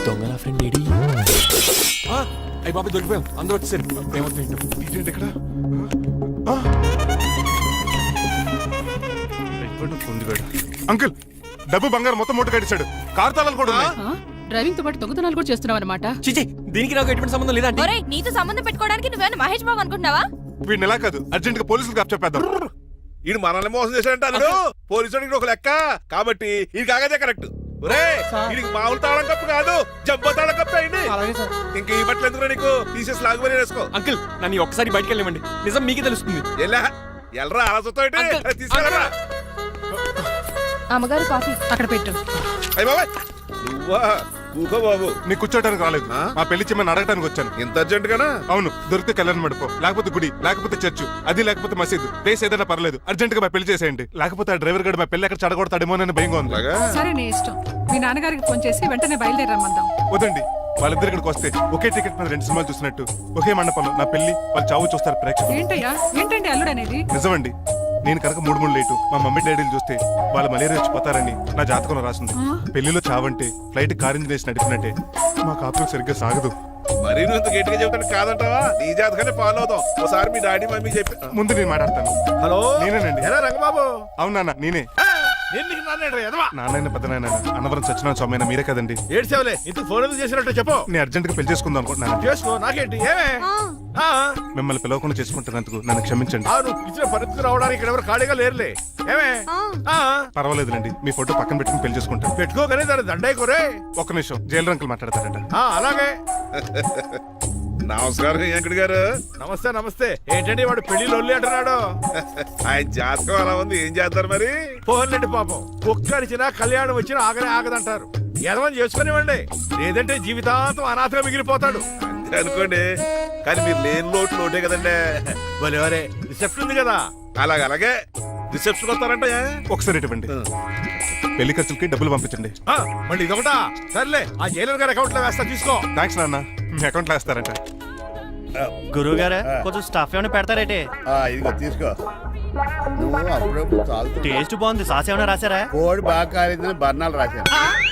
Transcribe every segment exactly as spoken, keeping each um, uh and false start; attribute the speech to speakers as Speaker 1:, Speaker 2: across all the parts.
Speaker 1: దొంగల friend AD
Speaker 2: అయ్యి బాబు దొరికిపోయాం అందరూ వచ్చేసారు ఏమవుతుంది ఇక్కడ
Speaker 3: అంకుల్ డబ్బు బంగారం మొత్తం మూట కట్టించాడు కారు తాళాలు కూడా ఉన్నాయి.
Speaker 4: డ్రైవింగ్ తో పాటు దొంగతనాలు కూడా చేస్తున్నావు అనమాట.
Speaker 2: చిచి దీనికి నాకు ఎటువంటి సంబంధం లేదండి.
Speaker 5: ఒరేయ్ నీతో సంబంధం పెట్టుకోవడానికి నువ్వేనా మహేష్ బాబు అనుకుంటున్నావా?
Speaker 3: వీడిని ఎలా కాదు అర్జెంట్ గా పోలీసులకు అప్పచెప్పేద్దాం.
Speaker 6: ఈడు మనల్ని మోసం చేశాడంటారు పోలీసుడికి ఒక లెక్క కాబట్టి ఇది కాగదే కరెక్ట్. వీడికి మామూలు తాళం కప్పు కాదు జబ్బ తాళం కప్పు అయింది. ఇంకా ఈ బట్టలు ఎందుకు నీకు తీసేసి లాగుమని వేసుకో.
Speaker 2: అంకుల్ నన్ను ఒక్కసారి బయటకు వెళ్ళమండి, నిజం మీకే తెలుస్తుంది.
Speaker 6: ఎలా ఎల్రా అలా చూస్తావు తీసుకెళ్ళరా.
Speaker 5: అమ్మగారు కాఫీ
Speaker 4: అక్కడ పెట్టు.
Speaker 6: అయ్య బాబాయ్ నువ్వా కూకో బాబు.
Speaker 3: నీకు కూర్చోడానికి రాలేదు, మా పెళ్లి చెమ్మని అడగడానికి వచ్చాను.
Speaker 6: ఇంత అర్జెంట్ గానా?
Speaker 3: అవును, దొరికితే కళ్యాణ మండపం, లేకపోతే గుడి, లేకపోతే చర్చ్, అది లేకపోతే మసీదు, ప్లేస్ ఏదైనా పర్లేదు. అర్జెంట్ గా మా పెళ్లి చేసేయండి, లేకపోతే ఆ డ్రైవర్ గడు మా పెళ్లి ఎక్కడ చెడగొడతాడేమో అని భయంగా ఉంది.
Speaker 4: సరే నీ ఇష్టం. మీ నాన్నగారికి ఫోన్ చేసి వెంటనే బయలుదేరమ్మందాం.
Speaker 3: వదండి, వాళ్ళిద్దరు ఇక్కడికి వస్తే ఒకే టికెట్ మీద రెండు సినిమాలు చూసినట్టు ఒకే మండపంలో నా పెళ్లి వాళ్ళ చావు చూస్తారు ప్రేక్షకులు.
Speaker 4: ఏంటయ్యా ఏంటండి అల్లుడు అనేది?
Speaker 3: నిజమండి, నేను కనుక మూడు మూడు లేటు మా మమ్మీ డాడీలు చూస్తే వాళ్ళు మలేరియా వచ్చిపోతారని నా జాతకంలో రాసింది. పెళ్లిలో చావంటే ఫ్లైట్ కార్ ఇంజిన్ వేసి నడిపినట్టే. మా కాపురం సరిగ్గా సాగదు.
Speaker 6: మరీ నువ్వు ఇంత గట్టిగా చెబుతాను కాదంటావా? నీ జాతకాన్ని ఫాలో అవుతాం. ఒకసారి మీ డాడీ మమ్మీ చెప్పి
Speaker 3: ముందు నేను మాట్లాడతాను.
Speaker 6: హలో
Speaker 3: నేనేనండి.
Speaker 6: ఎలా రంగబాబు?
Speaker 3: అవునా నేనే. నాన్న పెద్ద నాయన అన్నవరం సత్యనారాయణ స్వామి అయినా మీరే కదండి.
Speaker 6: ఏడ్చేవలే ఇంత ఫోన్ ఎందుకు చేసినట్టు చెప్పు.
Speaker 3: నేను అర్జెంట్ గా పెళ్లి చేసుకుందాం అనుకుంటున్నాను.
Speaker 6: చేసుకో, నాకేంటి ఏమే.
Speaker 3: మిమ్మల్ని పిలవకుండా చేసుకుంటున్నందుకు నన్ను క్షమించండి.
Speaker 6: ఇచ్చిన పరిస్థితి రావడానికి ఇక్కడ ఎవరు ఖాళీగా లేరులే. ఏమే
Speaker 3: పర్వాలేదులేండి, మీ ఫోటో పక్కన పెట్టుకుని పెళ్లి చేసుకుంటాను.
Speaker 6: పెట్టుకోగానే దాని దండే కోరే.
Speaker 3: ఒక్క నిమిషం, జైలు రంకులు మాట్లాడతారంట.
Speaker 6: అలాగే నమస్కారం వెంకట గారు. నమస్తే నమస్తే. ఏంటండి వాడు పెళ్లి లొల్లి అంటున్నాడు. ఆయన జాతకం అలా ఉంది, ఏం చేస్తారు మరి? పోన్లేండి పాపం, ఒక్కరిచినా కళ్యాణం వచ్చినా ఆగనే ఆగదంటారు. ఎదవని చేసుకునివ్వండి, లేదంటే జీవితాంతం అనాథగా మిగిలిపోతాడు. అంతే అనుకోండి, కానీ మీరు లేని లోటు లోటే కదండి. భలేవరే రిసెప్షన్ ఉంది కదా. అలాగే అలాగే రిసెప్షన్ వస్తారంట.
Speaker 3: ఒకసారి ఇవ్వండి, పెళ్లి ఖర్చులకి డబ్బులు పంపించండి.
Speaker 6: మళ్ళీ ఇదొకటా? సర్లే, ఆ జైలర్ గారి అకౌంట్ లో వేస్తా, తీసుకో.
Speaker 3: థ్యాంక్స్ నాన్న, మీ అకౌంట్ లో వేస్తారంట.
Speaker 1: గురువు గారు కొంచెం స్టఫ్ ఏమైనా పెడతారేటే?
Speaker 7: ఇదిగో తీసుకో. నువ్వు అప్పుడప్పుడు చాలు.
Speaker 1: టేస్ట్ బాగుంది, సాస్ ఏమైనా రాశారా?
Speaker 7: కోడి బాగా కాలేదని బర్ణాలు రాశాను.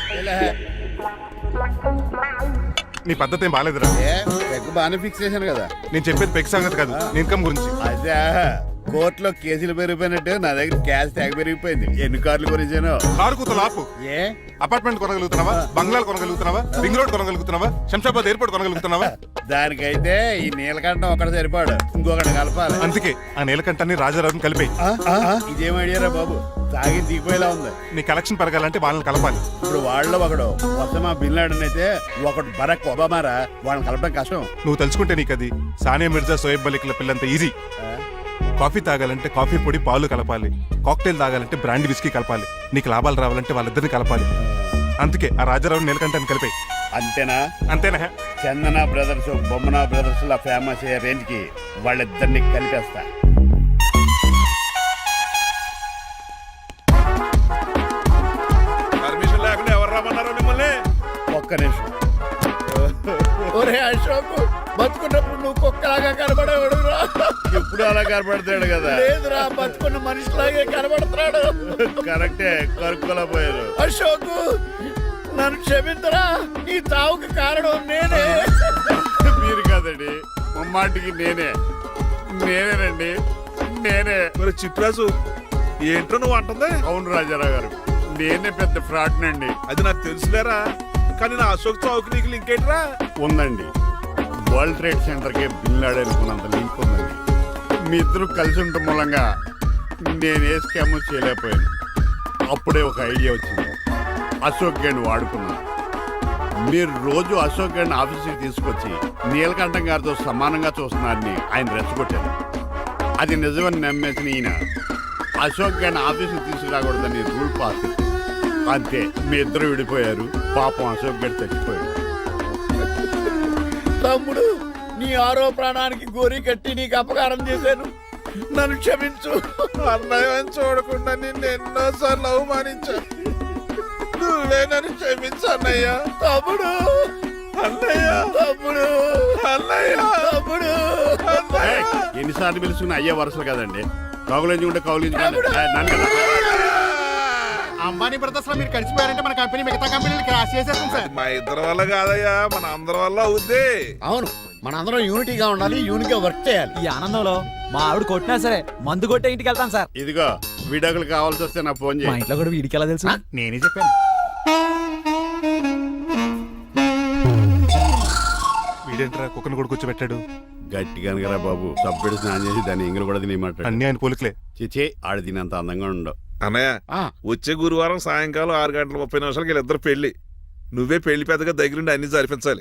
Speaker 3: నీ పద్ధతి ఏం బాగాలేదురా.
Speaker 7: పెగ్ బాగానే ఫిక్స్ చేశాను కదా.
Speaker 3: నేను చెప్పేది పెగ్ సంగతి కాదు, నీ ఇన్కమ్ గురించి.
Speaker 7: అదే కోర్టులో కేసులు పెరిగిపోయినట్టు నా దగ్గర క్యాష్ ట్యాగ్ పెరిగిపోయింది. ఎన్ని కార్లు గురించాను?
Speaker 3: కారు కూతలు ఆపు.
Speaker 7: ఏ
Speaker 3: అపార్ట్మెంట్ కొనగలుగుతున్నావా? బంగ్లాలు కొనగలుగుతున్నావా? రింగ్ రోడ్ కొనగలుగుతున్నావా? శంషాబాద్ ఎయిర్పోర్ట్ కొనగలుగుతున్నావా?
Speaker 7: దానికైతే ఈ నీలకంఠం ఒకటి సరిపాడు, ఇంకొకటి కలపాలి.
Speaker 3: అందుకే ఆ నీలకంఠాన్ని రాజారావుని కలిపి.
Speaker 7: ఇదేం ఐడియారా బాబు, తాగి దిగిపోయేలా ఉంది.
Speaker 3: నీ కలెక్షన్ పెరగాలంటే వాళ్ళని కలపాలి.
Speaker 7: ఇప్పుడు వాళ్ళలో ఒకడు ఒసమా బిన్ లాడెన్ అయితే ఒకడు బరాక్ ఒబామారా, వాళ్ళని కలపడం కష్టం.
Speaker 3: నువ్వు తెలుసుకుంటే నీకు అది సానియా మిర్జా, సోయబ్ మలిక్ల పిల్లంత ఈజీ. కాఫీ తాగాలంటే కాఫీ పొడి పాలు కలపాలి, కాక్టైల్ తాగాలంటే బ్రాండ్ విస్కీ కలపాలి. నీకు లాభాలు రావాలంటే వాళ్ళిద్దరిని కలపాలి. అందుకే ఆ రాజారావు నీలకంఠాన్ని కలిపే.
Speaker 7: అంతేనా?
Speaker 3: అంతేనా?
Speaker 7: చందన బ్రదర్స్, బొమ్మన బ్రదర్స్ లా ఫేమస్ అయ్యే రేంజ్ కి వాళ్ళిద్దరిని కలిపేస్తా.
Speaker 6: పర్మిషన్ లేకుండా ఎవరు రమ్మన్నారో మిమ్మల్ని?
Speaker 7: ఒక్క నిమిషం. ఒరే అశోక్, బతుకున్నప్పుడు నువ్వు కుక్కలాగా కనబడేవాడురా. ఇప్పుడు అలా కనబడతాడు కదా. లేదురా, బతుకున్న మనిషిలాగే కనబడుతున్నాడు. కరెక్టే, కరుక్కోలా పోయారు. అశోక్ నన్ను క్షమించరా, ఈ తావుకి కారణం నేనే. మీరు కాదండి, ముమ్మాటికి నేనే. నేనేనండి, నేనే.
Speaker 6: మరి చిట్రాజు ఏంటో నువ్వు అంటుంది?
Speaker 7: అవును రాజారావు గారు, నేనే పెద్ద ఫ్రాడ్ నండి.
Speaker 6: అది నాకు తెలుసులేరా, కానీ నా అశోక్ చౌక్ నీకు లింక్ ఏంట్రా?
Speaker 7: ఉందండి, వరల్డ్ ట్రేడ్ సెంటర్ కి బిన్ లాడెన్ అనుకున్నంత లింక్ ఉందండి. మీ ఇద్దరు కలిసి ఉండటం మూలంగా నేను ఏ స్కామ్ చేయలేకపోయాను. అప్పుడే ఒక ఐడియా వచ్చింది, అశోక్ గండి వాడుకున్నాను. మీరు రోజు అశోక్ గండి ఆఫీస్కి తీసుకొచ్చి నీలకంఠం గారితో సమానంగా చూస్తున్నారని ఆయన రెచ్చగొట్టారు. అది నిజమని నమ్మేసిన ఈయన అశోక్ గండి ఆఫీస్కి తీసుకురాకూడదని రూల్ పాస్ చేశారు. అంతే, మీ ఇద్దరు విడిపోయారు. పాపం అశోక్ గండి చచ్చిపోయాడు. తమ్ముడు, నీ ఆరో ప్రాణానికి గోరి కట్టి నీకు అపకారం చేశాను, నన్ను క్షమించు.
Speaker 6: అన్నయ్య చూడకుండా నిన్ను ఎన్నోసార్లు అవమానించాను, నువ్వే నన్ను క్షమించు అన్నయ్య.
Speaker 7: తమ్ముడు,
Speaker 6: అన్నయ్య,
Speaker 7: తమ్ముడు,
Speaker 6: అన్నయ్య,
Speaker 7: తమ్ముడు. ఎన్నిసార్లు పిలుచుకున్న అయ్యే వరుసలు కదండి. కౌలించుకుంటే కౌలించుకుంటే నన్ను అంబానీ బ్రదర్స్ లో మీరు కలిసిపోయారంటే మన కంపెనీ మిగతా కంపెనీలు క్రాష్ చేసేస్తాం సార్.
Speaker 6: మా ఇద్దరి వల్ల కాదయ్యా, మన అందరి వల్ల అవుద్ది.
Speaker 8: అవును, మనందరం యూనిటీగా ఉండాలి, యూనిట్గా వర్క్ చేయాలి.
Speaker 2: ఈ ఆనందంలో మా ఆవిడ కొట్టినా సరే మందు కొట్టే ఇంటికి వెళ్తాను సార్.
Speaker 7: ఇదిగో విడాకులు కావాల్సి వస్తే నా ఫోన్
Speaker 2: మా
Speaker 7: చేయి.
Speaker 2: ఇంట్లో కూడా వీడికి ఎలా తెలుసు?
Speaker 7: నేనే చెప్పాను.
Speaker 3: వీడేంట్రా కుక్కను కూడా కూర్చోబెట్టాడు.
Speaker 7: గట్టిగా అనగరా బాబు, సబ్బెడు స్నానం చేసి దాన్ని ఎంగిలి కూడా తినేమాట.
Speaker 3: అన్ని ఆయన పోలికలే.
Speaker 7: చిచే ఆడ తినంత అందంగా ఉండవు.
Speaker 6: అన్నయ్య, వచ్చే గురువారం సాయంకాలం ఆరు గంటల ముప్పై నిమిషాలకి వీళ్ళిద్దరు పెళ్లి. నువ్వే పెళ్లి పెద్దగా దగ్గరుండి అన్ని జరిపించాలి.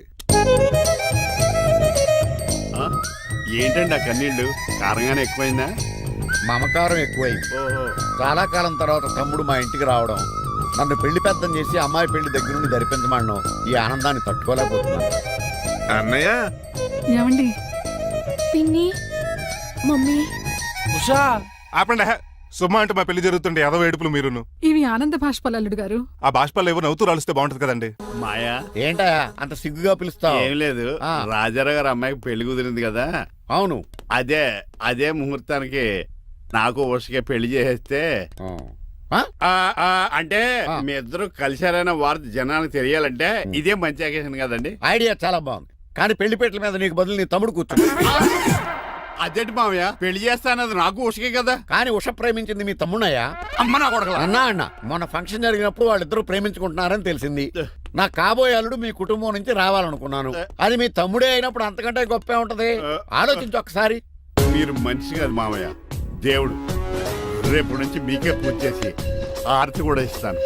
Speaker 7: ఏంటండి ఆ కన్నీళ్ళు? కారంగానే ఎక్కువైందా?
Speaker 8: మమకారం ఎక్కువైంది.
Speaker 7: ఓహో,
Speaker 8: చాలా కాలం తర్వాత తమ్ముడు మా ఇంటికి రావడం, నన్ను పెళ్లి పెద్దం చేసి అమ్మాయి పెళ్లి దగ్గర నుండి ధరిపించమనడం, ఈ ఆనందాన్ని తట్టుకోలేకపోతున్నాను.
Speaker 6: అన్నయ్య,
Speaker 4: ఏమండి
Speaker 5: పిన్ని, మమ్మీ,
Speaker 2: ఉషా
Speaker 3: ఆపండి హే. సుమా అంటే మా పెళ్లి జరుగుతుండే ఎదవ ఏడుపులు మీరును.
Speaker 4: ఇవి ఆనంద భాష్పాలు అల్లుడు గారు.
Speaker 3: ఆ బాష్పాలు ఏవో నవ్వుతూ రాలిస్తే బాగుంటది కదండి.
Speaker 7: మాయా
Speaker 8: ఏంటా అంత సిగ్గుగా పిలుస్తావు?
Speaker 7: ఏం లేదు,
Speaker 8: ఆ.
Speaker 7: రాజారావు గారు అమ్మాయికి పెళ్లి కుదిరింది కదా,
Speaker 8: అవును.
Speaker 7: అదే అదే ముహూర్తానికి నాకు ఉషకే పెళ్లి చేసేస్తే
Speaker 8: ఆ?
Speaker 7: ఆ, ఆ, అంటే
Speaker 8: ఆ.
Speaker 7: మీ ఇద్దరు కలిశారైన వార్త జనానికి తెలియాలంటే ఇదే మంచి అకేషన్ కదండి.
Speaker 8: ఐడియా చాలా బాగుంది, కానీ పెళ్లి పెట్టల మీద నీకు బదులు నీ తమ్ముడు కూర్చో.
Speaker 7: అదేంటి మామయ్య, పెళ్లి చేస్తానది నాకు ఉషకే కదా.
Speaker 8: కానీ ఉష ప్రేమించింది మీ తమ్ముడయ్యా.
Speaker 7: అమ్మ నా కొడకలా.
Speaker 8: అన్నా అన్న మొన్న ఫంక్షన్ జరిగినప్పుడు వాళ్ళిద్దరూ ప్రేమించుకుంటున్నారని తెలిసింది. నా కాబోయే అల్లుడు మీ కుటుంబం నుంచి రావాలనుకున్నాను. అది మీ తమ్ముడే అయినప్పుడు అంతకంటే గొప్పే ఉంటది. ఆలోచించు ఒకసారి.
Speaker 7: మీరు మనిషి కాదు మామయ్య, దేవుడు. రేపు నుంచి మీకే పూజ చేసి ఆర్తి కూడా ఇస్తాను.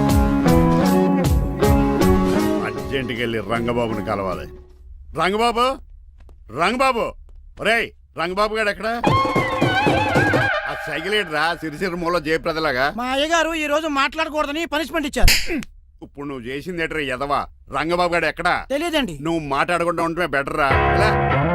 Speaker 7: అర్జెంటుకి వెళ్ళి రంగబాబుని కలవాలి. రంగబాబు, రంగబాబు, ఒరేయ్ రంగబాబు గారు ఎక్కడ? ఆ సైకిల్ రా సిరిసిరి మూల జయప్రదలాగా.
Speaker 9: మా అయ్యగారు ఈ రోజు మాట్లాడకూడదని పనిష్మెంట్ ఇచ్చారు.
Speaker 7: ఇప్పుడు నువ్వు చేసింది ఎట్రా ఎదవా? రంగబాబు గారు ఎక్కడా?
Speaker 9: తెలియదండి.
Speaker 7: నువ్వు మాట్లాడకుండా ఉంటే బెటర్ రా. ఎలా?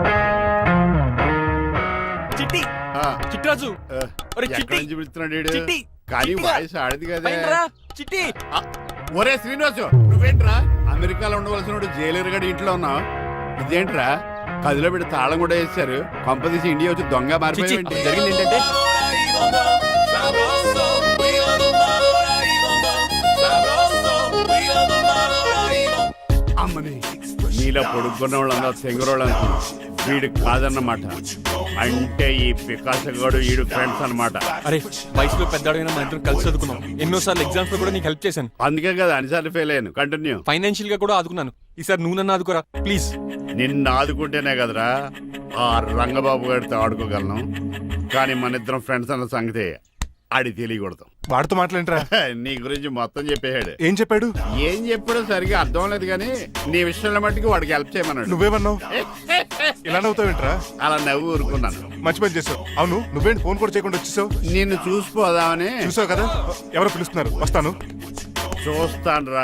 Speaker 2: చిట్టి
Speaker 7: ఆ,
Speaker 2: చిట్రాజు,
Speaker 7: ఆ,
Speaker 2: ఒరే
Speaker 7: ఎక్కడి
Speaker 2: చిట్టి,
Speaker 7: నుంచి పిలుస్తున్నాడు ఈడు?
Speaker 2: చిట్టి,
Speaker 7: కానీ
Speaker 2: చిట్టిగా.
Speaker 7: వాయిస్ ఆడది కదా.
Speaker 2: పైన రా, చిట్టి.
Speaker 7: ఆ, ఒరే శ్రీనివాసు, నువ్వేంట్రా అమెరికాలో ఉండవలసిన జైలర్ గడి ఇంట్లో ఉన్నావు? ఇదేంట్రా కదిలో పెట్టి తాళం కూడా వేశారు. కంపదీసి ఇండియా వచ్చి దొంగ
Speaker 2: చిచ్చి,
Speaker 7: మారిపోయింది.
Speaker 2: జరిగింది ఏంటంటే
Speaker 7: అమ్మని నీలో పొడుక్కున్న వాళ్ళందరూ తెంగరోళ్ళు అనుకున్నా. వీడు కాదన్నమాట. అంటే ఈ పికాసగాడు వీడు ఫ్రెండ్స్ అన్నమాట.
Speaker 2: అరే వయసులో పెద్దవాడైనా మన ఇద్దరం కలిసి చదువుకున్నాం. ఎన్నోసార్లు ఎగ్జామ్స్ లో కూడా నీకు హెల్ప్ చేశాను.
Speaker 7: అందుకే కదా అన్నిసార్లు ఫెయిల్ అయ్యాను. కంటిన్యూ.
Speaker 2: ఫైనాన్షియల్ గా కూడా ఆదుకున్నాను. ఈసారి నువ్వు నన్ను ఆదుకోరా ప్లీజ్.
Speaker 7: నిన్ను ఆదుకుంటేనే కదరా ఆ రంగబాబు గారితో ఆడుకోగలను. కానీ మన ఇద్దరం ఫ్రెండ్స్ అన్న సంగతి ఆడి తెలియకూడదు.
Speaker 3: వాడితో మాట్లాడరా.
Speaker 7: నీ గురించి మొత్తం చెప్పేశాడు.
Speaker 3: ఏం చెప్పాడు?
Speaker 7: ఏం చెప్పాడో సరిగా అర్థం లేదు కానీ నీ విషయంలో మట్టుకు వాడికి హెల్ప్ చేయమన్నాడు.
Speaker 3: నువ్వేమన్నావు? ఇలా నవ్వుతావేంట్రా?
Speaker 7: అలా నవ్వు ఊరుకున్నాను.
Speaker 3: మంచి పని చేసావు. అవును, నువ్వేంటి ఫోన్ కూడా చేయకుండా వచ్చేసావు?
Speaker 7: నిన్ను చూసిపోదామని.
Speaker 3: చూసావు కదా, ఎవరో పిలుస్తున్నారు, వస్తాను.
Speaker 7: చూస్తానురా.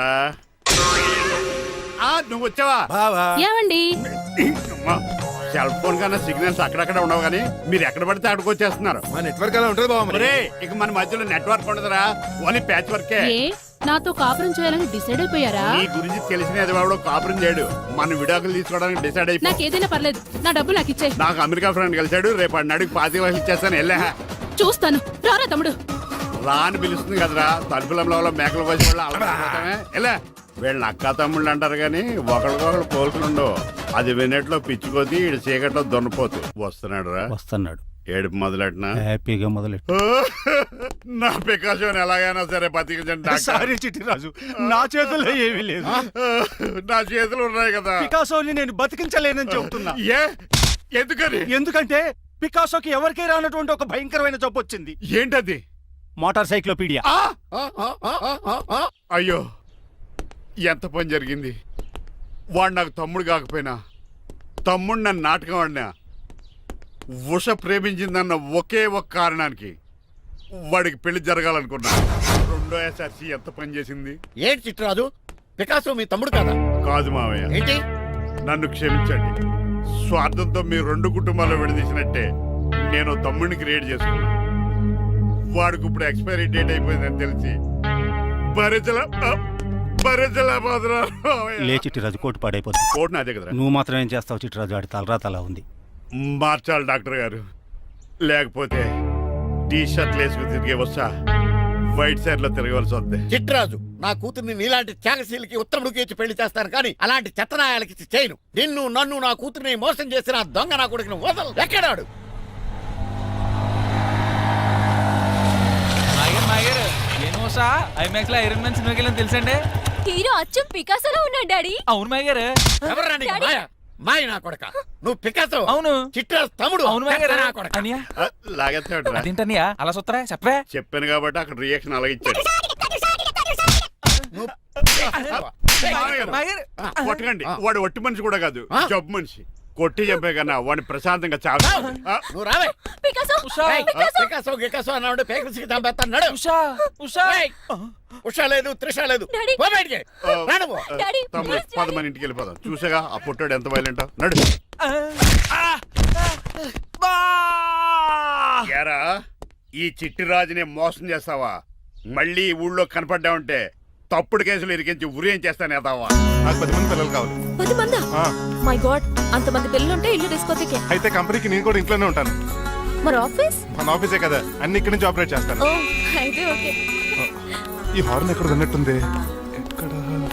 Speaker 7: ఆ, నువ్వు వచ్చావా?
Speaker 5: ఏమండి?
Speaker 7: సెల్ ఫోన్ కన్నా సిగ్నల్స్ అక్కడక్కడ ఉండవు కానీ మీరు ఎక్కడ పడితే అక్కడికి వచ్చేస్తున్నారు.
Speaker 6: మా నెట్వర్క్ అలా ఉంటుంది బాబు.
Speaker 7: ఒరే, ఇక మన మధ్యలో నెట్వర్క్ ఉండదురా, ఓన్లీ ప్యాచ్ వర్కే.
Speaker 5: ఏ నాతో కాపురం చేయాలని డిసైడ్ అయిపోయారా?
Speaker 7: నీ గురించి తెలిసిన ఎదవాడు కాపురం చేయడు. మన విడాకులు తీసుకోవడానికి డిసైడ్ అయిపో.
Speaker 5: నాకేదైనా పర్లేదు, నా డబ్బు నాకు ఇచ్చే.
Speaker 7: నాకు అమెరికా ఫ్రెండ్ కలిశాడు, రేపు అడిగి పాతి లక్షలు ఇచ్చేస్తాను. వెళ్ళా
Speaker 5: చూస్తాను, రారా తమ్ముడు.
Speaker 7: రా అని పిలుస్తుంది కదరా, తలుపులంలో మేకలు కోసి వాళ్ళు అలవాటమే. ఎలా వీళ్ళని అక్క తమ్ముళ్ళు అంటారు కానీ ఒకరికొకరు పోల్చుండవు. అది వినట్లో పిచ్చుకోతి, ఇటు చీకట్లో దొన్నపోతు. వస్తున్నాడు రా.
Speaker 1: వస్తున్నాడు.
Speaker 7: ఏడుపు మొదలెట్నా?
Speaker 1: హ్యాపీగా మొదలెట్టు.
Speaker 7: నా పికాసోని ఎలాగైనా సరే బతికించండి డాక్టర్.
Speaker 1: సారీ చిట్టిరాజు, నా చేతుల్లో ఏమీ లేదు.
Speaker 7: నా చేతులు ఉన్నాయి కదా.
Speaker 1: పికాసోని నేను బతికించలేనని చెబుతున్నా.
Speaker 7: ఏ ఎందుకని?
Speaker 1: ఎందుకంటే పికాసోకి ఎవరికీ రానటువంటి ఒక భయంకరమైన జబ్బు వచ్చింది.
Speaker 7: ఏంటది?
Speaker 1: Motor cyclopedia.
Speaker 7: ఆ! అయ్యో, ఎంత పని జరిగింది. వాడు నాకు తమ్ముడు కాకపోయినా తమ్ముడు నన్ను నాటకం ఆడినా ఉష ప్రేమించిందన్న ఒకే ఒక కారణానికి వాడికి పెళ్లి జరగాలనుకున్నా. రెండో ఎస్ఆర్సి ఎంత పని చేసింది.
Speaker 8: ఏంటి చిట్రాజు, పికాసో మీ తమ్ముడు కదా?
Speaker 7: కాదు మావయ్య,
Speaker 8: ఏంటి?
Speaker 7: నన్ను క్షమించండి. స్వార్థంతో మీ రెండు కుటుంబాలు విడదీసినట్టే నేను తమ్ముడిని క్రియేట్ చేసుకున్నా. వాడికి ఇప్పుడు ఎక్స్పైరీ డేట్ అయిపోయిందని తెలిసి భరించల భరించలేకపోతున్నా.
Speaker 1: లే చిట్టిరాజు, కోటు పాడైపోతుంది.
Speaker 7: కోట్ నాదే కదరా.
Speaker 1: నువ్వు మాత్రం ఏం చేస్తావు చిట్టిరాజు? ఆడి తలరా తలా ఉంది.
Speaker 7: మార్చాలి డాక్టర్ గారు, లేకపోతే టీ షర్ట్లు వేసుకుని తిరిగే వస్తా బయట సైడ్ లో తిరగవలసి వద్దే.
Speaker 8: చిట్రాజు నా కూతుర్ని నీలాంటి త్యాగశీలకి ఉత్తముడికి ఇచ్చి పెళ్లి చేస్తాను కానీ అలాంటి చెత్తనాయాలకి ఇచ్చి చేయను. నిన్ను నన్ను నా కూతుర్ని మోసం చేసిన ఆ దొంగ నా కొడుకుని వదలు. ఎక్కడాడు?
Speaker 2: ఐమాక్స్ లో ఐరన్ మ్యాన్ సినిమాకి వెళ్ళని తెలుసండి.
Speaker 5: హీరో అచ్చం పికాసోలో ఉన్నాడు డాడీ.
Speaker 2: అవును మాయ గారు.
Speaker 8: ఎవరు రాని మాయ? మాయ నా కొడక. నువ్వు పికాసో.
Speaker 2: అవును.
Speaker 8: చిట్రాజు తమ్ముడు.
Speaker 2: అవును మాయ గారు.
Speaker 8: నా కొడక.
Speaker 2: అనియా
Speaker 7: ఆ, లాగేస్తాడురా.
Speaker 2: అదేంటనియా అలా చూస్తారా చెప్పే.
Speaker 7: చెప్పాను కాబట్టి అక్కడ రియాక్షన్ అలాగే ఇచ్చాడు.
Speaker 8: నువ్వు
Speaker 2: మాయ గారు.
Speaker 7: ఆ, కొట్టకండి.
Speaker 8: ఆ.
Speaker 7: వాడు ఒట్టి మనిషి కూడా కాదు,
Speaker 8: ఆ?
Speaker 7: జబ్బు మనిషి. కొట్టి చెప్పే కన్నా వాడిని ప్రశాంతంగా చావు.
Speaker 8: నువ్వు రావే.
Speaker 5: పికాసో
Speaker 2: ఉషా
Speaker 8: ఏయ్, పికాసో గికాసో అన్నాడు పేకల్సికి చంపేస్తాను. నడు.
Speaker 2: ఉషా ఉషా.
Speaker 8: ఏయ్, ఉషా లేదు త్రిష లేదు.
Speaker 5: డాడీ.
Speaker 8: పో బయటికి. రా నువ్వు.
Speaker 5: డాడీ,
Speaker 7: తమ్ముడు
Speaker 5: ప్లీజ్
Speaker 7: పద మన ఇంటికి వెళ్ళిపోదాం. చూసాగా ఆ పుట్టాడు ఎంత వైలెంట్. నడు. ఏరా, ఈ చిట్టి రాజుని మోసం చేస్తావా? మళ్ళీ ఈ ఊళ్ళో కనపడ్డావంటే తప్పుడు కేసులు ఇరికించి ఉరేం చేస్తాను ఎదావా.
Speaker 3: నాకు పది మంది పిల్లలు కావాలి.
Speaker 5: పది మందా?
Speaker 3: ఆ,
Speaker 5: మై గాడ్, అంతమంది పిల్లలుంటే ఇల్లు డిస్కోతికే.
Speaker 3: అయితే కంపెనీకి నేను కూడా ఇంట్లోనే ఉంటాను.
Speaker 5: మరి ఆఫీస్?
Speaker 3: మన ఆఫీసే కదా, అన్ని ఇక్కడి నుంచి ఆపరేట్ చేస్తాను.
Speaker 5: ఓ అయితే ఓకే.
Speaker 3: ఈ హార్న్ ఎక్కడ విన్నట్టుంది. ఎక్కడ?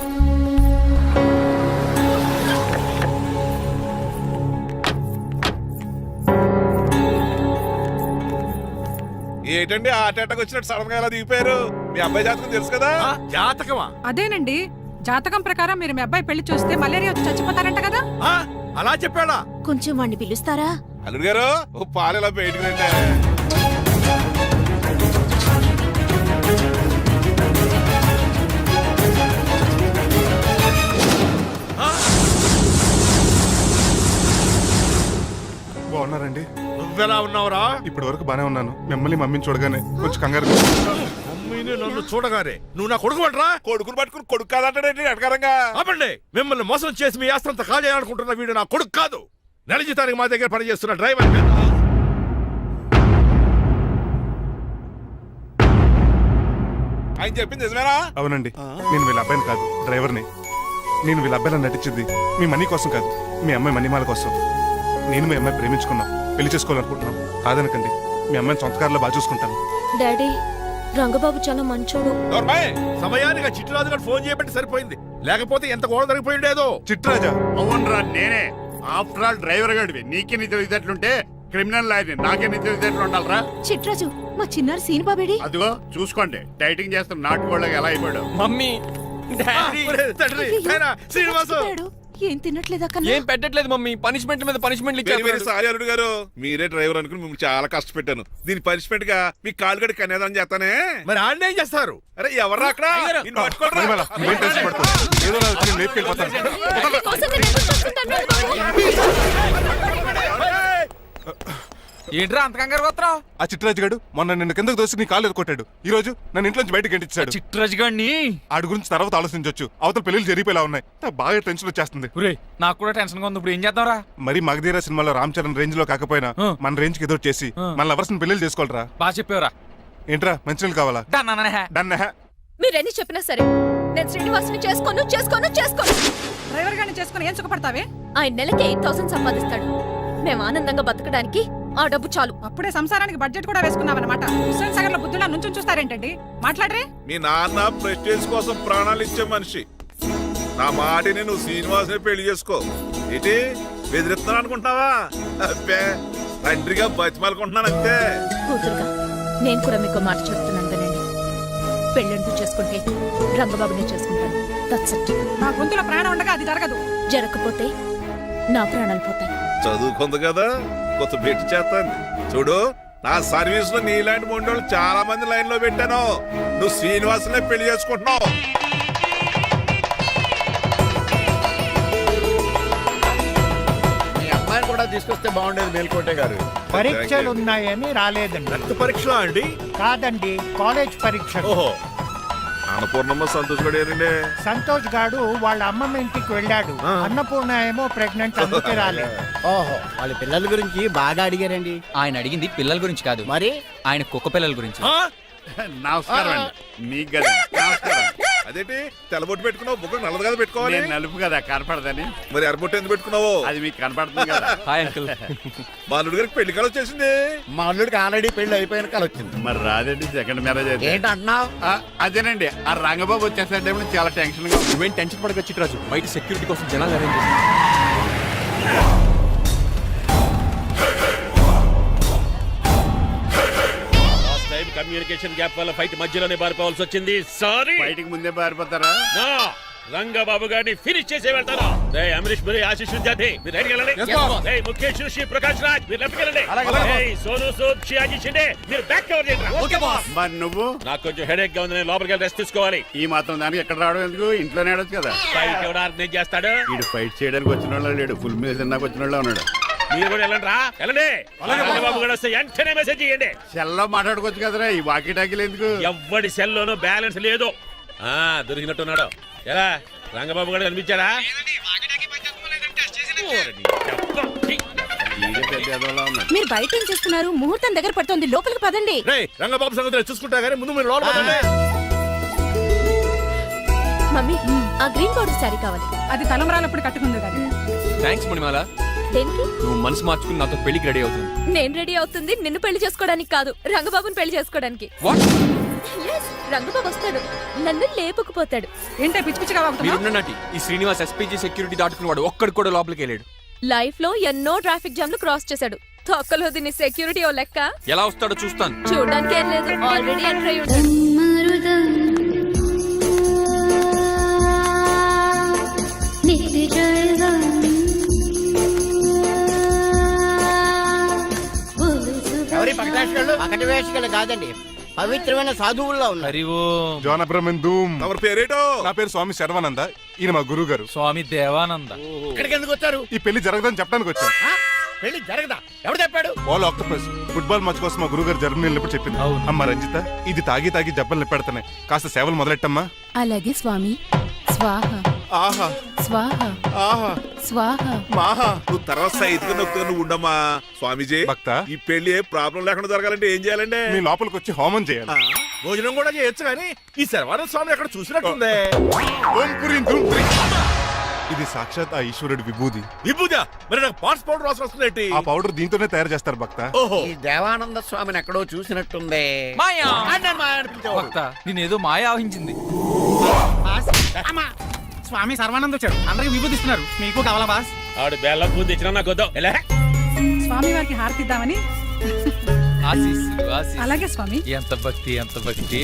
Speaker 6: ఏంటండి ఆ అటాక్ వచ్చినట్టు సడన్ గా ఎలా దిగిపోయారు? మీ అబ్బాయి జాతకం తెలుసు కదా. జాతకమా?
Speaker 4: అదేనండి, జాతకం ప్రకారం మీరు మీ అబ్బాయి పెళ్లి చూస్తే మలేరియా వచ్చి చచ్చిపోతారంట కదా.
Speaker 6: అలా చెప్పాడా?
Speaker 5: కొంచెం వాడిని పిలుస్తారా?
Speaker 6: అల్లుడు గారు ఓ పాలు ఎలా బయటకు రండి.
Speaker 3: బాగున్నారండి?
Speaker 6: నువ్వెలా ఉన్నావురా?
Speaker 3: ఇప్పటి వరకు బానే ఉన్నాను. మిమ్మల్ని మమ్మీని చూడగానే కొంచెం కంగారు.
Speaker 6: మమ్మీని నన్ను చూడగానే నువ్వు నా కొడుకు అంటరా? కొడుకుని పట్టుకుని కొడుకు కాదంటాడేంటి అడగారంగా? ఆపండి. మిమ్మల్ని మోసం చేసి మీ ఆస్తంతా కాజేయాలనుకుంటున్న వీడు నా కొడుకు కాదు. నెల జీతానికి మా దగ్గర పనిచేస్తున్న డ్రైవర్. ఆయన చెప్పింది నిజమేనా?
Speaker 3: అవునండి, నేను వీళ్ళ అబ్బాయిని కాదు, డ్రైవర్ని. నేను వీళ్ళ అబ్బాయిలా నటించింది మీ మనీ కోసం కాదు, మీ అమ్మాయి మణిమాల కోసం. నేను మీ అమ్మాయి ప్రేమించుకున్నాం, పెళ్లి చేసుకోవాలనుకుంటున్నాం. కాదనకండి, మీ అమ్మాయిని సొంత కారులో బాగా చూసుకుంటాను.
Speaker 5: డాడీ, రంగబాబు చాలా మంచోడు.
Speaker 6: నోర్మయ్, సమయానికి ఆ చిట్టురాజు గారు ఫోన్ చేయబట్టి సరిపోయింది. లేకపోతే ఎంత గోడ జరిగిపోయి ఉండేదో.
Speaker 3: చిట్రాజా?
Speaker 7: అవునరా, నేనే. ఆఫ్టర్ ఆల్ డ్రైవర్ గడివి. నీకే నీ తెలివితేటలుంటే క్రిమినల్ లాయర్ని, నాకే నీ తెలివితేటలు ఉండాలరా.
Speaker 5: చిట్రాజు, మా చిన్నారి సీన్ బాబేడి.
Speaker 7: అదిగో చూసుకోండి, డైటింగ్ చేస్తున్న నాటుకోళ్ళగా ఎలా అయిపోయాడు.
Speaker 2: Mummy daddy.
Speaker 6: తండ్రి, నాయనా, శ్రీనివాసు.
Speaker 5: ఏం తినట్లేదా?
Speaker 2: ఏం పెట్టట్లేదు మమ్మీ, పనిష్మెంట్ మీద పనిష్మెంట్
Speaker 6: వెరీ వెరీ సారీ అల్లుడు గారు. మీరే డ్రైవర్ అనుకుని మిమ్మల్ని చాలా కష్టపెట్టాను. దీని పనిష్మెంట్ గా మీ కాలు గడి కన్యాదానం చేస్తానే. మరి ఆడిని ఏం చేస్తారు? అరే ఎవరు అక్కడ? నిన్ను పట్టుకోరా.
Speaker 3: మణిమాల, నువ్వేం టెన్షన్ పడుకో. ఏదో నా వచ్చి నేను లేపుకెళ్ళిపోతాను.
Speaker 2: ఏంట్రా అంత కంగారు పోతున్నావు?
Speaker 3: ఆ చిట్రాజు గారు మొన్న నిన్ను కిందకు దోసి నీ కాలు ఎదుర్కొట్టాడు. ఈ రోజు నన్ను ఇంట్లోంచి బయటకు గంటించాడు.
Speaker 2: చిట్రాజు గారిని
Speaker 3: ఆడి గురించి తర్వాత ఆలోచించవచ్చు. అవతల పెళ్లిళ్ళు జరిగిపోయేలా ఉన్నాయి. నాకు బాగా టెన్షన్ వచ్చేస్తుంది.
Speaker 2: ఒరేయ్, నాకు కూడా టెన్షన్ గా ఉంది. ఇప్పుడు ఏం చేద్దాంరా?
Speaker 3: మరి మగధీర సినిమాలో రామ్ చరణ్ రేంజ్ లో కాకపోయినా
Speaker 2: ఆ.
Speaker 3: మన రేంజ్ కి ఎదురు చేసి
Speaker 2: ఆ.
Speaker 3: మన లవర్స్ పెళ్లిళ్ళు చేసుకోవాలరా.
Speaker 2: బాగా చెప్పేవరా.
Speaker 3: ఏంట్రా మంచినీళ్ళు కావాలా? డన్.
Speaker 5: మీరెన్ని చెప్పినా సరే నేను శ్రీనివాసుని చేసుకోను చేసుకోను చేసుకోను.
Speaker 4: డ్రైవర్ గారిని చేసుకుని ఏం సుఖపడతావే?
Speaker 5: ఆయన నెలకి ఎయిట్ థౌసండ్ సంపాదిస్తాడు. మేము ఆనందంగా బతకడానికి ఆ డబ్బు చాలు.
Speaker 4: అప్పుడే సంసారానికి బడ్జెట్ కూడా వేసుకున్నావన్నమాట. హుస్సేన్ సాగర్ లో బుద్ధులా నుంచి చూస్తారేంటండి? మాట్లాడరే.
Speaker 6: మీ నాన్న ప్రెస్టేజ్ కోసం ప్రాణాలు ఇచ్చే మనిషి. నా మాటిని నువ్వు శ్రీనివాసుని పెళ్లి చేసుకో. ఏంటి బెదిరిస్తున్నాను అనుకుంటున్నావా? అబ్బే, తండ్రిగా బతిమాలకుంటున్నాను అంతే.
Speaker 5: కూతురుగా నేను కూడా మీకు మాట చెప్తున్నాను వినండి. పెళ్ళంటూ చేసుకుంటే రంగబాబునే చేసుకుంటాను. That's it.
Speaker 4: నా గొంతులో ప్రాణం ఉండగా అది జరగదు.
Speaker 5: జరగకపోతే నా ప్రాణాలు పోతాయి.
Speaker 6: చదువుకుంది కదా, కొత్త పెట్టి చేస్తాను. చూడు, నా సర్వీస్ లో నీలాంటి మొండోళ్ళు చాలా మంది లైన్ లో పెట్టాను. నువ్వు శ్రీనివాసునే పెళ్లి చేసుకుంటున్నావు.
Speaker 8: మీ అమ్మాయిని కూడా తీసుకొస్తే బాగుండేది మేల్కోటే గారు.
Speaker 9: పరీక్షలు ఉన్నాయని రాలేదండి.
Speaker 6: రక్త పరీక్ష అండి?
Speaker 9: కాదండి, కాలేజ్ పరీక్ష.
Speaker 6: ఓహో, అన్నపూర్ణమ్మ సంతోష్ గడేనండి.
Speaker 9: సంతోష్ గాడు వాళ్ళ అమ్మమ్మ ఇంటికి వెళ్ళాడు.
Speaker 6: ఆ.
Speaker 9: అన్నపూర్ణ ఏమో ప్రెగ్నెంట్, అందుకే రాలేదు.
Speaker 10: ఓహో, వాళ్ళ పిల్లల గురించి బాగా అడిగారండి.
Speaker 11: ఆయన అడిగింది పిల్లల గురించి కాదు,
Speaker 10: మరి
Speaker 11: ఆయన కుక్క పిల్లల గురించి.
Speaker 6: ఆ?
Speaker 7: నమస్కారం అండి. మీకు కదా నమస్కారం.
Speaker 6: అదేంటి తెల్లబొట్టు పెట్టుకున్నావు బుగ్గ నల్లది కదా పెట్టుకోవాలి
Speaker 7: నేను నలుపు కదా కనపడదని.
Speaker 6: మరి ఎర్రబొట్టు ఎందుకు పెట్టుకున్నావు
Speaker 7: అది మీకు కనపడుతుంది కదా.
Speaker 2: Hi uncle.
Speaker 6: మా అల్లుడి గారికి పెళ్లి కాలం వచ్చేసింది.
Speaker 8: మా అల్లుడికి ఆల్రెడీ పెళ్లి అయిపోయిన కాలం వచ్చింది.
Speaker 7: మరి రాదండి సెకండ్ మ్యారేజ్ అయితే.
Speaker 8: ఏంటంటున్నావు?
Speaker 7: ఆ, అదేనండి ఆ రంగబాబు వచ్చేసరికి చాలా టెన్షన్ గా ఉంది.
Speaker 2: నువ్వేం టెన్షన్ పడక చిట్రాజు, బయట సెక్యూరిటీ కోసం జనాలు అరేంజ్
Speaker 6: కమ్యూనికేషన్ గ్యాప్ వల్ల ఫైట్ మధ్యలోనే పారిపోవాల్సి వచ్చింది. సారీ.
Speaker 7: బయటికి ముందే పారిపోతారా?
Speaker 6: రంగబాబు గారిని ఫినిష్ చేసి వెళ్తాను. రే అమరీష్ మరి ఆశీష్ విద్యార్థి మీరు రైట్కి వెళ్ళండి. రే ముఖేష్ శ్రీ ప్రకాష్ రాజ్ మీరు లెఫ్ట్కి వెళ్ళండి. రే సోను సూద్ షియాజీ షిండే మీరు బ్యాక్ కవర్ చేయండి.
Speaker 7: మరి నువ్వు?
Speaker 6: నాకు కొంచెం హెడేక్ గా ఉంది, నేను లోపలికి వెళ్ళి రెస్ట్ తీసుకోవాలి.
Speaker 7: ఈ మాత్రం దానికి ఎక్కడ రావడం ఎందుకు? ఇంట్లోనే ఆడొచ్చు కదా.
Speaker 6: ఫైట్ ఎవడు ఆర్గనైజ్ చేస్తాడు?
Speaker 7: వీడు ఫైట్ చేయడానికి వచ్చిన వాళ్ళు లేడు, ఫుల్ మీద తిన్నాక వచ్చిన వాళ్ళు ఉన్నాడు.
Speaker 6: మీరు కూడా వెళ్ళండి రా వెళ్ళండి. రంగబాబు గారు వస్తే వెంటనే మెసేజ్ చేయండి.
Speaker 7: సెల్లో మాట్లాడుకోవచ్చు కదరా, ఈ వాకీ టాకీలు ఎందుకు?
Speaker 6: ఎవ్వడి సెల్లోనూ బ్యాలెన్స్ లేదు. ఆ దొరికినట్టున్నాడు. ఎలా రంగబాబు గారు కనిపించాడా?
Speaker 7: వీడే పెద్ద ఎదవలా ఉన్నాడు.
Speaker 5: మీరు బయట ఏం చేస్తున్నారు? ముహూర్తం దగ్గర పడుతుంది, లోపలికి పదండి.
Speaker 6: రేయ్ రంగబాబు సంగతి చూసుకుంటా గానీ ముందు మీరు లోపల పదండి.
Speaker 5: మమ్మీ ఆ గ్రీన్ పౌడర్ శారీ కావాలి.
Speaker 4: అది తలంబరాలప్పుడు కట్టుకుంది కదా.
Speaker 2: థ్యాంక్స్ మణిమాల.
Speaker 5: దేనికి?
Speaker 2: నువ్వు మనసు మార్చుకుని నాతో పెళ్లికి రెడీ అవుతుంది.
Speaker 5: నేను రెడీ అవుతుంది నిన్ను పెళ్లి చేసుకోవడానికి కాదు, రంగబాబుని పెళ్లి చేసుకోవడానికి.
Speaker 2: వాట్?
Speaker 5: Yes, రంగబాబు వస్తాడు, నన్ను లేపుకుపోతాడు.
Speaker 4: ఏంటే పిచ్చి పిచ్చిగా వాగుతున్నావు?
Speaker 2: మీరున్నటి ఈ శ్రీనివాస్ ఎస్పీజీ సెక్యూరిటీ దాటుకుని వాడు ఒక్కడు కూడా లోపలికి వెళ్ళాడు.
Speaker 5: లైఫ్ లో ఎన్నో ట్రాఫిక్ జామ్లు క్రాస్ చేశాడు. తొక్కలో దీన్ని సెక్యూరిటీ ఓ లెక్క.
Speaker 2: ఎలా వస్తాడో చూస్తాను.
Speaker 5: చూడడానికి ఏం లేదు, ఆల్రెడీ ఎంటర్ అయి ఉంటాడు.
Speaker 8: ఎవరి పక్కన
Speaker 10: పకటి వేషకాలు కాదండి, పవిత్రమైన సాధువుల్లో ఉన్నారు.
Speaker 3: జోన బ్రహ్మన్
Speaker 6: ఎవరి పేరేటో?
Speaker 3: నా పేరు స్వామి శర్వానంద, ఈయన మా గురువు గారు.
Speaker 11: స్వామి దేవానంద.
Speaker 8: ఇక్కడికి ఎందుకు వచ్చారు?
Speaker 3: ఈ పెళ్లి జరగదని చెప్పడానికి వచ్చాను.
Speaker 8: ఆ? పెళ్లి జరగదా? ఎవరు చెప్పాడు?
Speaker 3: బాల్ ఆక్టోపస్ ఫుట్బాల్ మ్యాచ్ కోసం మా గురువు గారు జర్మనీ వెళ్ళినప్పుడు చెప్పింది. అమ్మ రంజిత, ఇది తాగి తాగి జబ్బలు నిప్పెడుతున్నాయి, కాస్త సేవలు మొదలెట్టమ్మా.
Speaker 5: అలాగే స్వామి. స్వాహ
Speaker 6: ఆహా
Speaker 5: స్వాహ
Speaker 6: ఆహా
Speaker 5: స్వాహ.
Speaker 6: మాహా నువ్వు తర్వాత సైతుగా నొక్కుగా నువ్వు ఉండమ్మా. స్వామీజీ
Speaker 3: భక్త,
Speaker 6: ఈ పెళ్లి ఏ ప్రాబ్లం లేకుండా జరగాలంటే ఏం చేయాలండి?
Speaker 3: మీ లోపలికి వచ్చి హోమం చేయాలి.
Speaker 6: ఆ, భోజనం కూడా చేయొచ్చు కానీ ఈ శర్వానంద స్వామి ఎక్కడ చూసినట్టుంది.
Speaker 3: ఓం పురీం ధూం పురీం. ఇది సాక్షాత్ ఆ ఈశ్వరుడి విభూది.
Speaker 6: విభూజ మరి నాకు పాట్స్ పౌడర్ వాసన వస్తుంది.
Speaker 3: ఆ పౌడర్ దీంతోనే తయారు చేస్తారు భక్త.
Speaker 6: ఓహో
Speaker 8: ఈ దేవానంద స్వామిని ఎక్కడో చూసినట్టుంది.
Speaker 11: మాయా
Speaker 8: ఆ, నేను మాయా అనిపించేవాడు.
Speaker 11: భక్త నేనేదో మాయ ఆవహించింది.
Speaker 10: స్వామి సర్వానంద్ వచ్చాడు, అందరికి విభూతిస్తున్నారు. మీకు కావాలా బాస్?
Speaker 6: ఆడు బెల్లం పూజ తెచ్చినా నాకు వద్దాం. ఎలా
Speaker 4: స్వామి వారికి హారతిద్దామని.
Speaker 11: ఆశీస్సులు ఆశీస్సులు.
Speaker 4: అలాగే స్వామి.
Speaker 11: ఎంత భక్తి ఎంత భక్తి.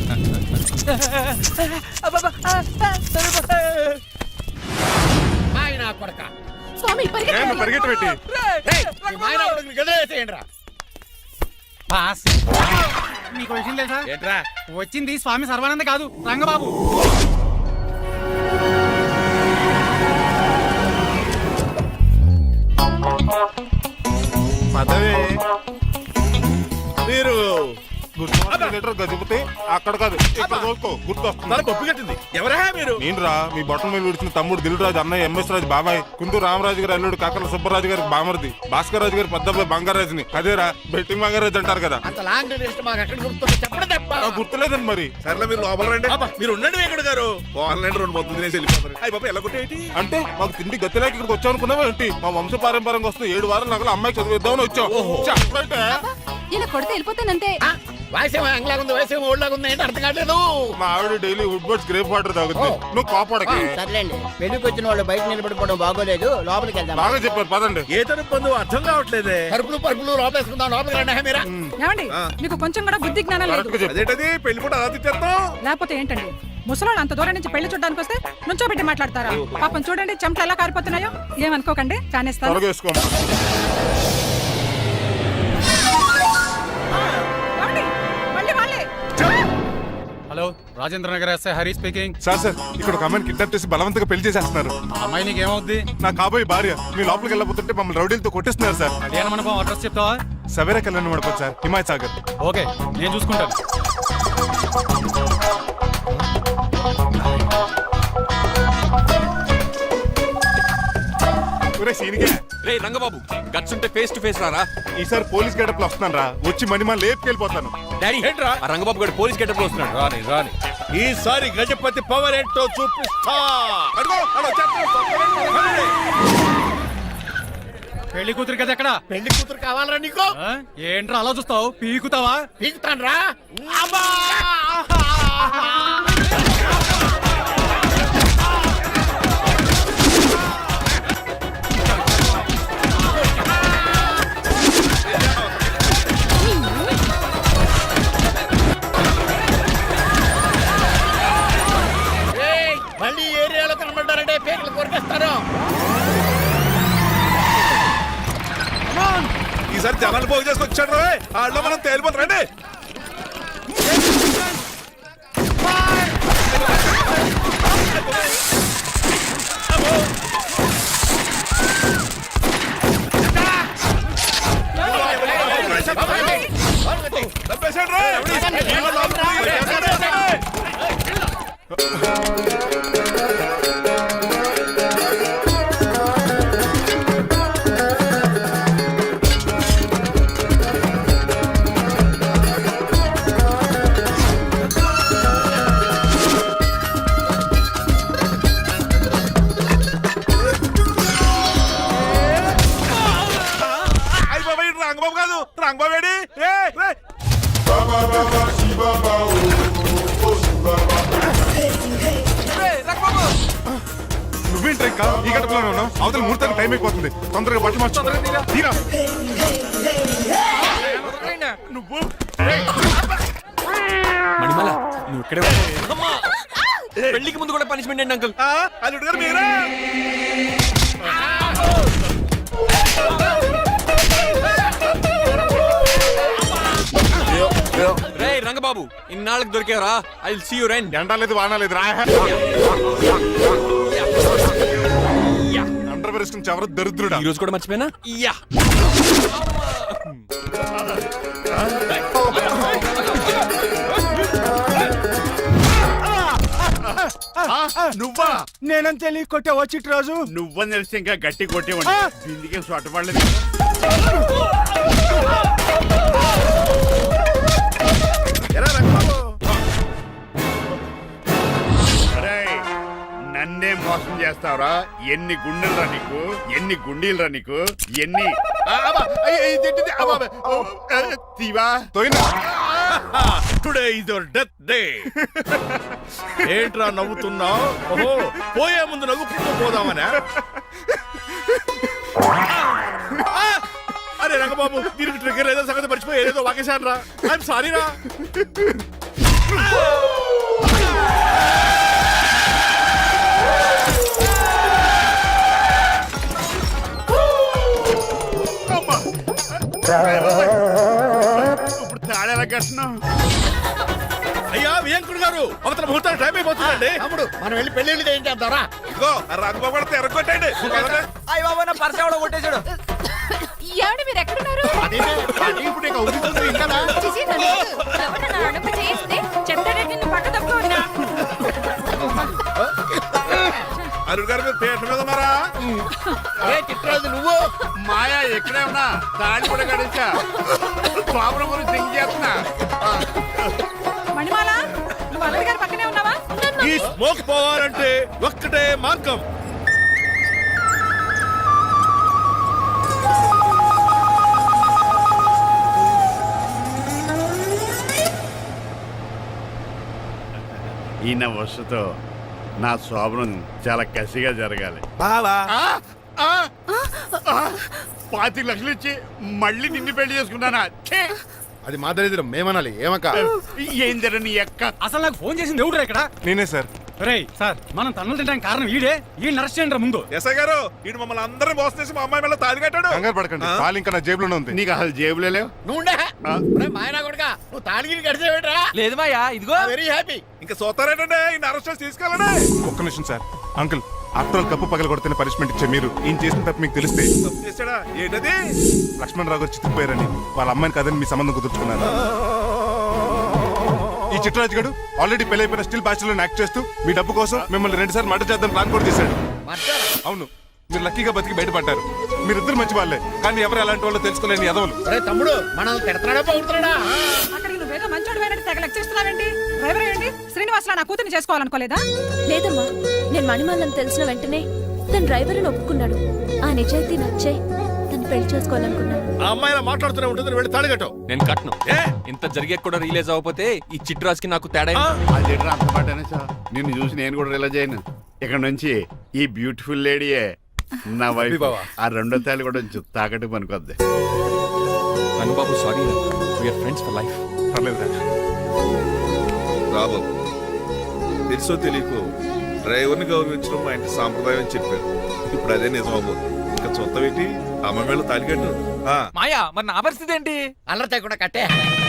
Speaker 8: మాయ నా కొడక.
Speaker 5: స్వామి పరిగెత్తండి.
Speaker 3: పరిగెట్టు పెట్టి
Speaker 8: ఏయ్, ఈ మాయ నా కొడుకుని గదిలేసేయండి రా.
Speaker 10: బాస్ మీకు విషయం తెలుసా?
Speaker 6: ఏంట్రా?
Speaker 10: వచ్చింది స్వామి సర్వానంద కాదు, రంగబాబు.
Speaker 3: పదవే
Speaker 6: మీరు
Speaker 3: గుర్తు గజపతి అక్కడ కాదు ఇక్కడ చూసుకో, గుర్తు వస్తుంది.
Speaker 6: తల పప్పు కట్టింది. ఎవరా మీరు?
Speaker 3: నేను రా మీ బొట్టల మీద విడిచిన తమ్ముడు దిల్ రాజు, అన్నయ్య ఎంఎస్ రాజు బాబాయ్, కుందూరు రామరాజు గారి అల్లుడు కాకల సుబ్బరాజు గారి బామర్ది, భాస్కర్ రాజు గారి పెద్దబ్బాయి బంగారాజుని. అదేరా బెట్టింగ్ బంగారాజు అంటారు కదా.
Speaker 8: అంత లాంగ్ లిస్ట్ మాకు ఎక్కడ గుర్తుంది చెప్పండి తప్ప.
Speaker 3: ఆ, గుర్తులేదండి మరి.
Speaker 6: సర్లే మీరు లోపల రండి. మీరు ఉండండి వెంకట గారు. ఆన్లైన్ రెండు మొత్తం తినేసి వెళ్ళిపోతారు. అయ్యి బాబా ఎలా కొట్టేటి?
Speaker 3: అంటే మాకు తిండి గతిలేక ఇక్కడికి వచ్చాం అనుకున్నావా ఏంటి? మా వంశ పారంపర్యంగా వస్తే ఏడు వారాలు నగలు అమ్మాయి చదివిద్దామని వచ్చాం. చెప్పంటే
Speaker 5: ఇలా కొడితే వెళ్ళిపోతానంతే.
Speaker 8: వయసేమో ఎంగ్లాగా ఉంది, వయసేమో ఓల్డ్లాగా ఉంది, ఏంటి అర్థం కావట్లేదు.
Speaker 3: మా ఆవిడ daily Woodward's gripe water తాగుతుంది. నువ్వు కాపాడకి.
Speaker 10: సర్లేండి, పెళ్లికి వచ్చిన వాళ్ళు బయట నిలబడిపోవడం బాగోలేదు, లోపలికి వెళ్దాం.
Speaker 3: బాగా చెప్పారు పదండి.
Speaker 6: ఏ తరపు పొందు అర్థం కావట్లేదే.
Speaker 8: పరుపులు పరుపులు లోపేసుకుందాం, లోపలికి రండి మీరా.
Speaker 4: ఏమండి మీకు కొంచెం కూడా బుద్ధి జ్ఞానం లేదు.
Speaker 3: కరెక్ట్గా చెప్పు.
Speaker 6: అదేంటది పెళ్లి పూట అలా తిట్టేస్తాం?
Speaker 4: లేకపోతే ఏంటండి ముసలాడు అంత దూరం నుంచి పెళ్లి చూడడానికి వస్తే నుంచోబెట్టి మాట్లాడతారా? పాపం చూడండి చెమట ఎలా కారిపోతున్నాయో. ఏమనుకోకండి, కానేస్తాను.
Speaker 3: త్వరగా వేసుకోమ్మా.
Speaker 4: ఏమండి? మళ్ళీ వాళ్ళే.
Speaker 10: Hello, Rajendra Nagar SI Hari speaking.
Speaker 3: Sir sir ఇక్కడ ఒక అమ్మాయిని కిడ్నాప్ చేసి బలవంతంగా పెళ్లి చేసేస్తున్నారు.
Speaker 10: అమ్మాయి నీకు ఏమవుద్ది?
Speaker 3: నా కాబోయే భార్య. మీ లోపలికి వెళ్ళబోతుంటే మమ్మల్ని రౌడీలతో కొట్టిస్తున్నారు సార్.
Speaker 10: కళ్యాణ మండపం అడ్రస్ చెప్తావా?
Speaker 3: సవేరా కళ్యాణ్ మండపం సార్, హిమాయత్ సాగర్.
Speaker 10: ఓకే, నేను చూసుకుంటాను.
Speaker 3: ఒరే సీనిగా,
Speaker 2: రే రంగబాబు గట్స్ ఉంటే ఫేస్ టు ఫేస్ రారా.
Speaker 3: ఈసారి పోలీస్ గెటప్ లో వస్తున్నాను రా, వచ్చి మణిమా లేపుకెళ్ళిపోతాను.
Speaker 2: డాడీ
Speaker 6: ఏంట్రా?
Speaker 2: ఆ రంగబాబు గారు పోలీస్ గెటప్ లో వస్తున్నాడు.
Speaker 6: రాని రాని ఈసారి గజపతి పవర్ ఏంటో చూపిస్తా. అదిగో, అలా వచ్చేస్తున్నాడు.
Speaker 1: పెళ్లి కూతురు కదా ఎక్కడ
Speaker 8: పెళ్లి కూతురు కావాలరా నీకు?
Speaker 1: ఏంట్రా అలా చూస్తావు పీకుతావా?
Speaker 8: పీకుతాను రా. మళ్ళీ ఏరియాలో కనబడ్డారంటే పేర్లు కొరికేస్తారు.
Speaker 6: ఈసారి జనాలు పోగు చేసుకొచ్చాడు. ఆడలో మనం తేలిపోతారండి. రంగబాబు కాదు, రంగబాబు ఏడి?
Speaker 3: నువ్వేంటి ఇంకా ఈ గడపలోనే ఉన్నావు? అవతల ముహూర్తానికి టైం అయిపోతుంది. తొందరగా బట్టలు మార్చు. తీరా.
Speaker 6: నువ్వు
Speaker 2: మణిమాల నువ్వు ఇక్కడే ఉండు. పెళ్లికి ముందు కూడా పనిష్మెంట్ ఏంటి అంకుల్?
Speaker 6: అల్లుడు గారు మీరా?
Speaker 2: రే రంగబాబు, ఇన్నాళ్ళకి దొరికేవరా? I will see you rain.
Speaker 3: ఎండాలేదు వానాలేదు రా. అండర్ వేసుకుని ఎవరు దరిద్రుడా?
Speaker 2: ఈ రోజు కూడా మర్చిపోయినా? యా
Speaker 7: నువ్వా?
Speaker 9: నేనంత తెలియ కొట్టే వచ్చి రోజు
Speaker 7: నువ్వని తెలిసి ఇంకా గట్టి కొట్టేవాడి. బిందికే సొట్టపడలేదు.
Speaker 6: ఎరా రంగబాబు,
Speaker 7: అరేయ్, నన్నే మోసం చేస్తావురా? ఎన్ని గుండెలు రా నీకు? ఎన్ని గుండీలు రా నీకు? ఎన్ని ఆ, అబ్బా, అయ్య, ఇదేంటిది? అబ్బా, అబ్బా, ఓ, ఆ, తీవా?
Speaker 3: తోయినా
Speaker 6: today is your death day. ఏంట్రా నవ్వుతున్నావు? ఓహో, పోయే ముందు నవ్వుకుంటూ పోదామనా? అరే రంగబాబు, దీనికి ట్రిగ్గర్ ఏదో సంగతి మర్చిపోయి ఏదో వాకేశాను రా. ఐఎమ్ సారీ రా.
Speaker 7: ఇప్పుడు తాడేలా కట్టినావు?
Speaker 6: అయ్యా వియంకుడు గారు, అవతల ముహూర్తానికి టైం అయిపోతుందండి.
Speaker 8: తమ్ముడు మనం వెళ్ళి పెళ్లి ఏం చేద్దారా?
Speaker 6: ఇదిగో ఆ రంగబాబు కూడా తెరగొట్టండి.
Speaker 2: అయ్య బాబా, నా పర్స్ ఎవడో కొట్టేశాడు.
Speaker 5: ఏమండి మీరు ఎక్కడున్నారు?
Speaker 8: అదేంటి? అది ఇప్పుడు ఇక ఊగుతుంది ఇంకా.
Speaker 5: చిచి, నన్ను ఎవరన్నా అడుగు చేస్తే చెప్తానంటే నువ్వు పక్క తప్పుకో ఉన్నా.
Speaker 6: అరుడు గారు మీరు థియేటర్ మీద ఉన్నారా?
Speaker 8: ఏ చిట్రాజు నువ్వు?
Speaker 7: మాయా ఎక్కడే ఉన్నా తాడి కూడా గడిచా. ప్రాబ్లం గురించి థింక్ చేస్తున్నా.
Speaker 4: మణిమాల, నువ్వు అల్లుడి గారి పక్కనే ఉన్నావా?
Speaker 6: ఈ స్మోక్ పోవాలంటే ఒక్కటే మార్గం.
Speaker 7: ఈయన వస్తుతో నా శోభనం చాలా కసిగా జరగాలి.
Speaker 6: బావా,
Speaker 7: ఆ, ఆ, ఆ, పాతిక లక్షలు ఇచ్చి మళ్ళీ నిన్ను పెళ్లి చేసుకున్నానా? ఛే!
Speaker 3: అది మా దరిద్రం, మేమనాలి. ఏమక్క?
Speaker 7: ఏం జరని ఎక్క.
Speaker 1: అసలు నాకు ఫోన్ చేసింది ఎవడు ఇక్కడ?
Speaker 3: నేనే సార్.
Speaker 1: రేయ్ సార్, మనం తన్నులు తినడానికి కారణం ఈడే. ఈ నర్స్ చేయండి ముందు.
Speaker 6: ఎస్ఐ గారు, ఈడు మమ్మల్ని అందరినీ మోసం చేసి మా అమ్మాయి మీద తాళి కట్టాడు.
Speaker 3: కంగారు పడకండి, పాలు ఇంకా నా జేబులోనే ఉంది.
Speaker 7: నీకు అసలు జేబులే లేవు.
Speaker 8: నువ్వు ఉండే. ఒరేయ్ మాయనా కొడుకా, నువ్వు తాడిగిరి గడిచేవేట్రా?
Speaker 2: లేదు మాయా, ఇదిగో.
Speaker 8: Very happy.
Speaker 6: ఇంకా సోతారేటండి, ఈయన అరెస్ట్ చేసి తీసుకెళ్ళండి.
Speaker 3: ఒక్క నిమిషం sir. Uncle, after all cup పగల కొడితేనే పనిష్మెంట్ ఇచ్చే మీరు ఈయన చేసిన తప్పు మీకు తెలిస్తే
Speaker 6: తప్పు చేశాడా? ఏంటది?
Speaker 3: లక్ష్మణ్ రావు గారు చితికిపోయారని వాళ్ళ అమ్మాయిని కదని మీ సంబంధం కుదుర్చుకున్నారు. ఈ చిట్రాజు గడు ఆల్రెడీ పెళ్ళైపోయిన స్టిల్ బ్యాచులర్ యాక్ట్ చేస్తూ మీ డబ్బు కోసం మిమ్మల్ని రెండు సార్లు మర్డర్ చేద్దాం ప్లాన్ కూడా చేశాడు. అవును, మీరు లక్కీగా బతికి బయటపడ్డారు. మీరిద్దరు మంచి వాళ్ళే, కానీ ఎవరు ఎలాంటి వాళ్ళు తెలుసుకోలేని ఎదవలు.
Speaker 8: ఒరే తమ్ముడు, మనల్ని తిడతాడా పొగుడుతాడా?
Speaker 4: అక్కడికి నువ్వు ఏదో మంచోడు పోయినట్టు తెగ లెక్చేస్తున్నావేంటి? డ్రైవర్ ఏంటి శ్రీనివాసలా నా కూతుర్ని చేసుకోవాలనుకోలేదా?
Speaker 5: లేదమ్మా, నేను మణిమాలని తెలిసిన వెంటనే తన డ్రైవర్ అని ఒప్పుకున్నాడు. ఆ నిజాయితీ నచ్చే తను పెళ్లి చేసుకోవాలనుకున్నాను.
Speaker 6: ఆ అమ్మాయి ఇలా మాట్లాడుతూనే ఉంటుంది, వెళ్ళి తాళిగట్టు.
Speaker 2: నేను కట్ను
Speaker 6: ఏ
Speaker 2: ఇంత జరిగే కూడా రిలీజ్ అవ్వకపోతే ఈ చిట్రాజ్కి నాకు తేడా ఏంటి?
Speaker 7: అది ఎట్రా అంత మాట అనేసా? నిన్ను చూసి నేను కూడా రిలైజ్ అయ్యాను. ఇక్కడ నుంచి ఈ బ్యూటిఫుల్ లేడీయే నా వైఫ్.
Speaker 6: బావా.
Speaker 7: ఆ రెండో తాళి కూడా కొంచెం తాకట్టు పనికొద్ది.
Speaker 2: Rangababu sorry, we're friends for life.
Speaker 3: పర్లేదు
Speaker 6: రాబాబు, తెలుసో తెలియకో డ్రైవర్ని గౌరవించడం మా ఇంటి సాంప్రదాయం అని చెప్పారు. ఇప్పుడు అదే నిజమవు. ఇంకా చూద్దాం ఏంటి, అమ్మ మేళ తాలిగట్టు.
Speaker 11: మాయా మరి నా పరిస్థితి ఏంటి?
Speaker 8: అల్లరి తగ్గకుండా కట్టే.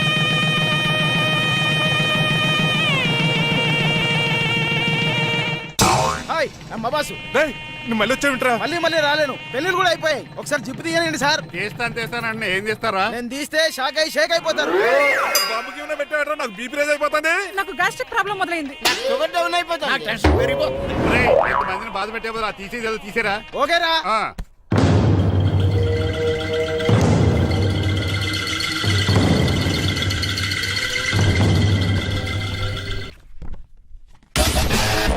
Speaker 9: హాయ్ అమ్మ బాసు.
Speaker 3: రేయ్, నువ్వు మళ్ళీ వచ్చావింట్రా?
Speaker 9: మళ్ళీ మళ్ళీ రాలేను, పెళ్ళిళ్ళు కూడా అయిపోయాయి. ఒకసారి జిప్పు తీయనండి సార్.
Speaker 7: తీస్తాను తీస్తానంటే ఏం చేస్తారా?
Speaker 9: నేను తీస్తే షాక్ అయి షేక్ అయిపోతారు.
Speaker 3: బాబుకి ఏమైనా పెట్టావట్రా? నాకు బీపీ రేజ్ అయిపోతుంది.
Speaker 4: నాకు గ్యాస్ట్రిక్ ప్రాబ్లం మొదలైంది.
Speaker 9: షుగర్ డౌన్ అయిపోతాను.
Speaker 7: రేయ్, ఇంతమందిని బాధ పెట్టే బదులు ఆ తీసేది ఏదో తీసేరా.
Speaker 9: ఓకేరా.
Speaker 7: ఆ.